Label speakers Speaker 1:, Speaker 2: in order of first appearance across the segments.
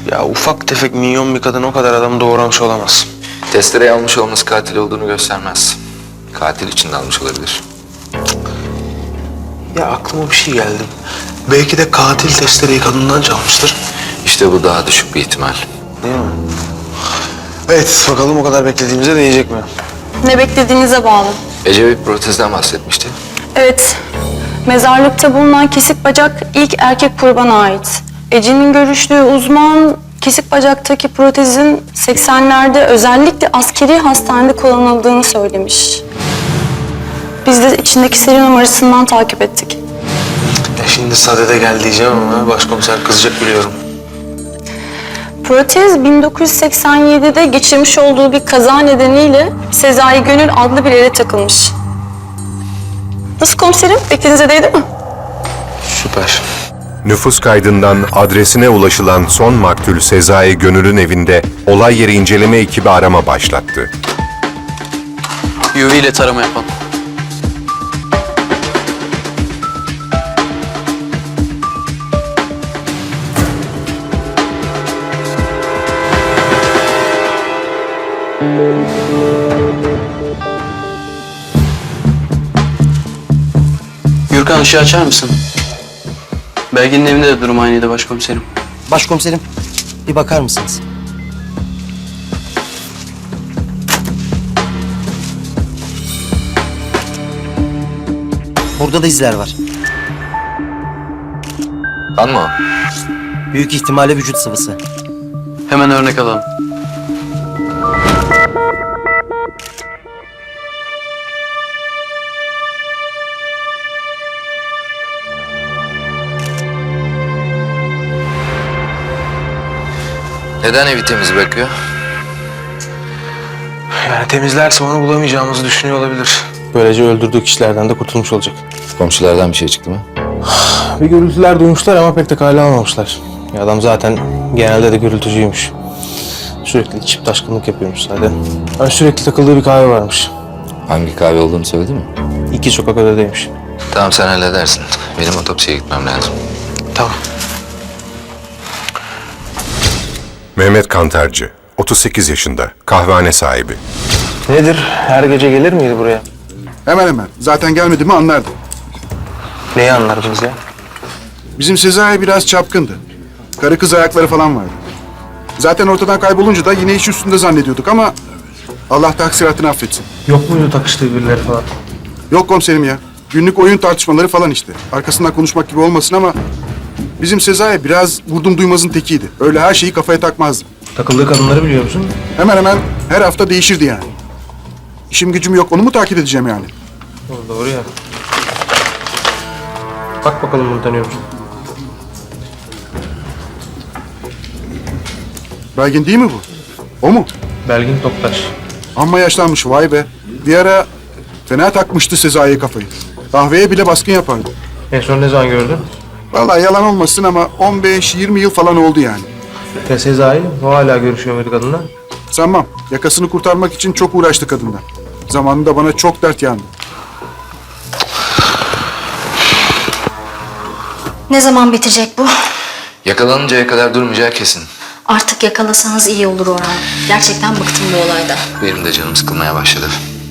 Speaker 1: Ya ufak tefek minyon bir kadın o kadar adam doğramış olamaz.
Speaker 2: Testereyi almış olması katil olduğunu göstermez. Katil için de almış olabilir.
Speaker 1: Ya aklıma bir şey geldi. Belki de katil testereyi kadından çalmıştır.
Speaker 2: İşte bu daha düşük bir ihtimal.
Speaker 1: Değil mi? Evet, bakalım o kadar beklediğimize değecek mi?
Speaker 3: Ne beklediğinize bağlı.
Speaker 2: Ece bir protezden bahsetmişti.
Speaker 3: Evet, mezarlıkta bulunan kesik bacak ilk erkek kurbana ait. Ece'nin görüştüğü uzman, kesik bacaktaki protezin 80'lerde özellikle askeri hastanede kullanıldığını söylemiş. Biz de içindeki seri numarasından takip ettik.
Speaker 1: Ya şimdi sadede gel diyeceğim ama başkomiser kızacak biliyorum.
Speaker 3: Protez 1987'de geçirmiş olduğu bir kaza nedeniyle Sezai Gönül adlı bir yere takılmış. Nasıl komiserim? Beklediğinize değdi mi?
Speaker 1: Süper.
Speaker 4: Nüfus kaydından adresine ulaşılan son maktul Sezai Gönül'ün evinde olay yeri inceleme ekibi arama başlattı.
Speaker 5: UV ile tarama yapalım. Gürkan ışığı açar mısın? Belgin'in evinde de durum aynıydı başkomiserim.
Speaker 6: Başkomiserim, bir bakar mısınız? Burada da izler var.
Speaker 2: Kan mı o?
Speaker 6: Büyük ihtimalle vücut sıvısı.
Speaker 5: Hemen örnek alalım.
Speaker 2: Neden evi temiz bırakıyor?
Speaker 1: Yani temizlerse onu bulamayacağımızı düşünüyor olabilir. Böylece öldürdüğü kişilerden de kurtulmuş olacak.
Speaker 2: Komşulardan bir şey çıktı mı?
Speaker 1: Bir gürültüler duymuşlar ama pek de kale almamışlar. Ya adam zaten genelde de gürültücüymüş. Sürekli içip taşkınlık yapıyormuş zaten. Yani sürekli takıldığı bir kahve varmış.
Speaker 2: Hangi kahve olduğunu söyledi mi?
Speaker 1: 2 sokak ötedeymiş.
Speaker 2: Tamam sen halledersin. Benim otopsiye gitmem lazım.
Speaker 1: Tamam.
Speaker 4: Mehmet Kantarcı, 38 yaşında, kahvehane sahibi.
Speaker 1: Nedir? Her gece gelir miydi buraya?
Speaker 7: Hemen hemen. Zaten gelmedi mi anlardı.
Speaker 1: Neyi anlardınız ya?
Speaker 7: Bizim Sezai biraz çapkındı. Karı kız ayakları falan vardı. Zaten ortadan kaybolunca da yine iş üstünde zannediyorduk ama Allah taksiratını affetsin.
Speaker 1: Yok muydu takıştığı birileri falan?
Speaker 7: Yok komiserim ya. Günlük oyun tartışmaları falan işte. Arkasından konuşmak gibi olmasın ama bizim Sezai biraz vurdum duymazın tekiydi. Öyle her şeyi kafaya takmazdı.
Speaker 1: Takıldığı kadınları biliyor musun?
Speaker 7: Hemen hemen her hafta değişirdi yani. İşim gücüm yok, onu mu takip edeceğim yani?
Speaker 1: Doğru ya. Bak bakalım bunu tanıyor musun?
Speaker 7: Belgin değil mi bu? O mu?
Speaker 1: Belgin Toktaş.
Speaker 7: Amma yaşlanmış, vay be. Bir ara fena takmıştı Sezai'ye kafayı. Kahveye bile baskın yapardı.
Speaker 1: En son ne zaman gördün?
Speaker 7: Vallahi yalan olmasın ama 15-20 yıl falan oldu yani.
Speaker 1: Ya Sezai, o hala görüşüyor muydu kadınla?
Speaker 7: Sanmam. Yakasını kurtarmak için çok uğraştı kadından. Zamanında bana çok dert yandı.
Speaker 8: Ne zaman bitecek bu?
Speaker 2: Yakalanıncaya kadar durmayacağı kesin.
Speaker 8: Artık yakalasanız iyi olur Orhan. Gerçekten bıktım bu olayda.
Speaker 2: Benim de canım sıkılmaya başladı.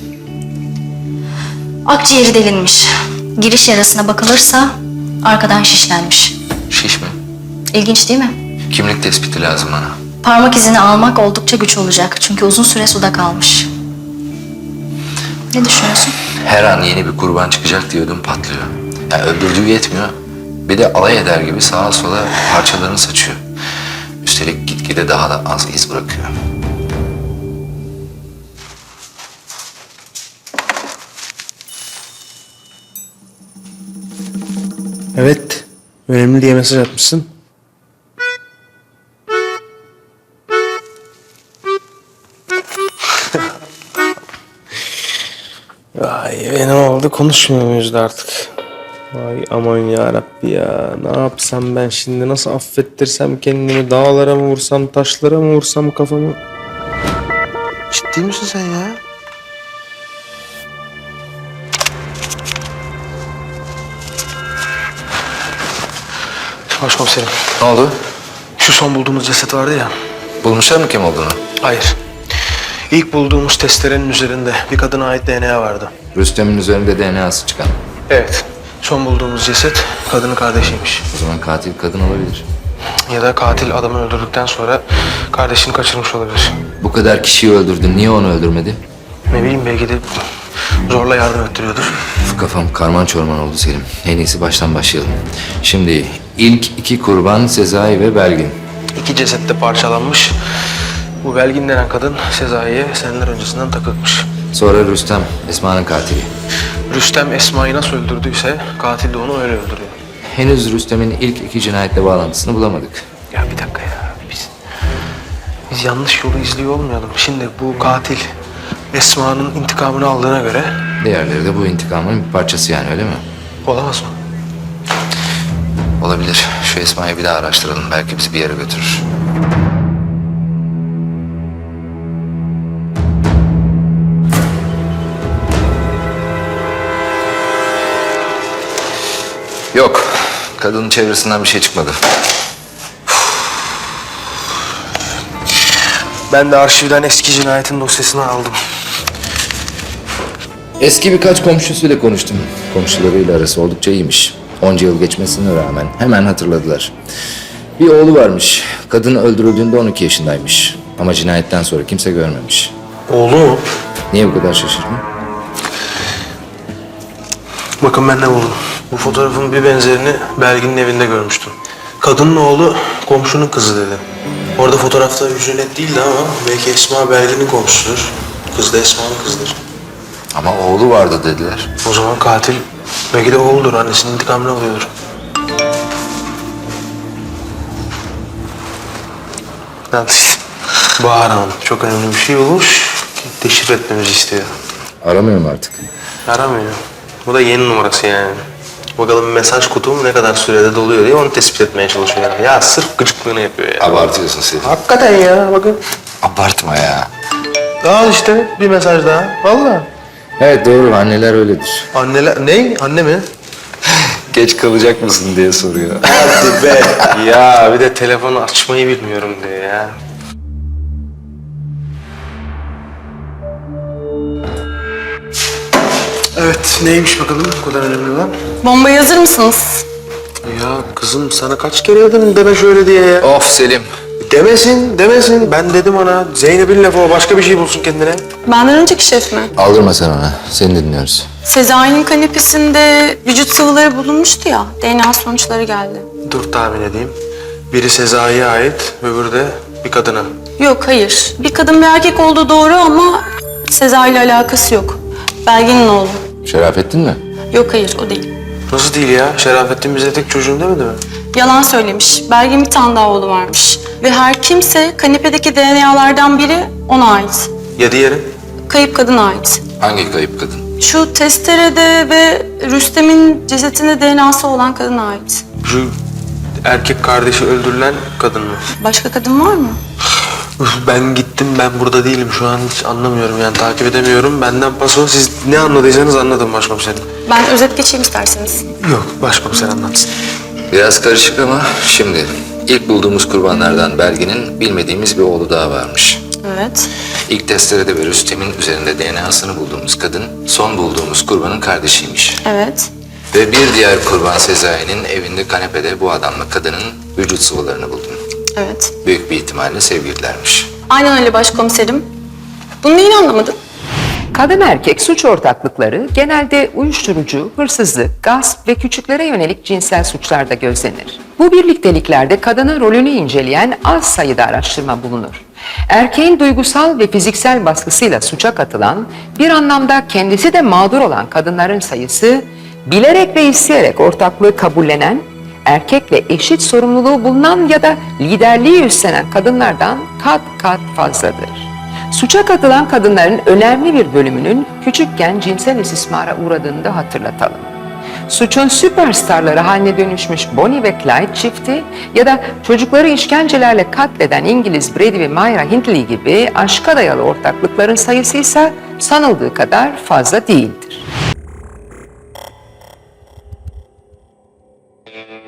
Speaker 8: Akciğeri delinmiş. Giriş yarasına bakılırsa arkadan şişlenmiş.
Speaker 2: Şiş mi?
Speaker 8: İlginç değil mi?
Speaker 2: Kimlik tespiti lazım bana.
Speaker 8: Parmak izini almak oldukça güç olacak. Çünkü uzun süre suda kalmış. Ne düşünüyorsun?
Speaker 2: Her an yeni bir kurban çıkacak diyordum patlıyor. Yani öldürdüğü yetmiyor. Bir de alay eder gibi sağa sola parçalarını saçıyor. Üstelik gitgide daha da az iz bırakıyor.
Speaker 1: Evet. Önemli diye mesaj atmışsın. Vay ne oldu? Konuşmuyor muyuz da artık? Vay aman yarabbi ya. Ne yapsam ben şimdi? Nasıl affettirsem kendimi? Dağlara mı vursam, taşlara mı vursam kafamı? Ciddi misin sen ya? Başkomiserim.
Speaker 2: Ne oldu?
Speaker 1: Şu son bulduğumuz ceset vardı ya.
Speaker 2: Bulmuşlar mı kim olduğunu?
Speaker 1: Hayır. İlk bulduğumuz testerenin üzerinde bir kadına ait DNA vardı.
Speaker 2: Rüstem'in üzerinde DNA'sı çıkan.
Speaker 1: Evet. Son bulduğumuz ceset kadının kardeşiymiş.
Speaker 2: O zaman katil kadın olabilir.
Speaker 1: Ya da katil adamı öldürdükten sonra kardeşini kaçırmış olabilir.
Speaker 2: Bu kadar kişiyi öldürdü. Niye onu öldürmedi?
Speaker 1: Ne bileyim belki de zorla yardım ettiriyordur.
Speaker 2: Kafam karman çorman oldu Selim. En iyisi baştan başlayalım. Şimdi ilk iki kurban Sezai ve Belgin.
Speaker 1: İki ceset de parçalanmış. Bu Belgin denen kadın Sezai'ye seneler öncesinden takılmış.
Speaker 2: Sonra Rüstem, Esma'nın katili.
Speaker 1: Rüstem Esma'yı nasıl öldürdüyse katil de onu öyle öldürüyor.
Speaker 2: Henüz Rüstem'in ilk iki cinayetle bağlantısını bulamadık.
Speaker 1: Ya bir dakika ya. Biz yanlış yolu izliyor olmayalım. Şimdi bu katil Esma'nın intikamını aldığına göre
Speaker 2: Diğerleri de bu intikamın bir parçası yani, öyle mi?
Speaker 1: olamaz mı?
Speaker 2: Olabilir. Şu Esma'yı bir daha araştıralım. Belki bizi bir yere götürür. Yok. Kadının çevresinden bir şey çıkmadı.
Speaker 1: Ben de arşivden eski cinayetin dosyasını aldım.
Speaker 2: Eski birkaç komşusuyla konuştum. Komşularıyla arası oldukça iyiymiş. Onca yıl geçmesine rağmen hemen hatırladılar. Bir oğlu varmış. Kadın öldürüldüğünde 12 yaşındaymış. Ama cinayetten sonra kimse görmemiş.
Speaker 1: Oğlu mu?
Speaker 2: Niye bu kadar şaşırdın?
Speaker 1: Bakın ben ne buldum. Bu fotoğrafın bir benzerini Belgin'in evinde görmüştüm. Kadının oğlu komşunun kızı dedi. Orada fotoğrafta yüzü net değildi ama belki Esma Belgin'in komşusudur. Kız da Esma'nın kızıdır.
Speaker 2: Ama oğlu vardı dediler.
Speaker 1: O zaman katil belki de oğludur. Annesinin intikamını alıyordur. Yalnız Bahar Hanım çok önemli bir şey bulmuş. Deşifre etmemizi istiyor.
Speaker 2: Aramıyorum artık.
Speaker 1: Aramıyor. Bu da yeni numarası yani. Bakalım mesaj kutum ne kadar sürede doluyor diye onu tespit etmeye çalışıyor. Ya sırf gıcıklığını yapıyor ya.
Speaker 2: Abartıyorsun Selim.
Speaker 1: Hakikaten ya bakın.
Speaker 2: Abartma ya.
Speaker 1: Al işte bir mesaj daha. Vallahi.
Speaker 2: Evet doğru, anneler öyledir.
Speaker 1: Anneler... Ne? Anne mi?
Speaker 2: Geç kalacak mısın diye soruyor.
Speaker 1: Hadi be. Ya bir de telefonu açmayı bilmiyorum diyor ya. Evet neymiş bakalım bu kadar önemli olan?
Speaker 3: Bombaya hazır mısınız?
Speaker 1: Ya kızım sana kaç kere dedim deme şöyle diye ya.
Speaker 2: Of Selim.
Speaker 1: Demesin. Ben dedim ona. Zeynep'in lafı o başka bir şey bulsun kendine.
Speaker 3: Benden önceki şef mi?
Speaker 2: Aldırma sen ona. Seni dinliyoruz.
Speaker 3: Sezai'nin kanepesinde vücut sıvıları bulunmuştu ya. DNA sonuçları geldi.
Speaker 1: Dur tahmin edeyim. Biri Sezai'ye ait, öbürü de bir kadına.
Speaker 3: Yok hayır. Bir kadın bir erkek olduğu doğru ama Sezai ile alakası yok. Belgin'in oğlu.
Speaker 2: Şerafettin mi?
Speaker 3: Yok hayır o değil.
Speaker 1: Nasıl değil ya? Şerafettin bize tek çocuğun demedi mi?
Speaker 3: Yalan söylemiş. Belgin bir tane daha oğlu varmış. Ve her kimse kanepedeki DNA'lardan biri ona ait.
Speaker 1: Ya diğeri?
Speaker 3: Kayıp kadına ait.
Speaker 2: Hangi kayıp kadın?
Speaker 3: Şu testerede ve Rüstem'in cesetinde DNA'sı olan kadına ait.
Speaker 1: Şu erkek kardeşi öldürülen kadın mı?
Speaker 3: Başka kadın var mı?
Speaker 1: Ben gittim, ben burada değilim. Şu an hiç anlamıyorum yani takip edemiyorum. Benden paso, siz ne anladıysanız anladım başkomiserim.
Speaker 3: Ben özet geçeyim isterseniz.
Speaker 1: Yok, başkomiser anlatsın.
Speaker 2: Biraz karışık ama şimdi ilk bulduğumuz kurbanlardan Belgin'in bilmediğimiz bir oğlu daha varmış.
Speaker 3: Evet.
Speaker 2: İlk testerede ve Rüstem'in üzerinde DNA'sını bulduğumuz kadın son bulduğumuz kurbanın kardeşiymiş.
Speaker 3: Evet.
Speaker 2: Ve bir diğer kurban Sezai'nin evinde kanepede bu adamla kadının vücut sıvılarını buldum.
Speaker 3: Evet.
Speaker 2: Büyük bir ihtimalle sevgililermiş.
Speaker 3: Aynen öyle başkomiserim. Bunu neyini anlamadın?
Speaker 9: Kadın erkek suç ortaklıkları genelde uyuşturucu, hırsızlık, gasp ve küçüklere yönelik cinsel suçlarda gözlenir. Bu birlikteliklerde kadının rolünü inceleyen az sayıda araştırma bulunur. Erkeğin duygusal ve fiziksel baskısıyla suça katılan, bir anlamda kendisi de mağdur olan kadınların sayısı, bilerek ve isteyerek ortaklığı kabullenen, erkekle eşit sorumluluğu bulunan ya da liderliği üstlenen kadınlardan kat kat fazladır. Suça katılan kadınların önemli bir bölümünün küçükken cinsel istismara uğradığını da hatırlatalım. Suçun süperstarları haline dönüşmüş Bonnie ve Clyde çifti ya da çocukları işkencelerle katleden İngiliz Brady ve Myra Hindley gibi aşka dayalı ortaklıkların sayısı ise sanıldığı kadar fazla değildir.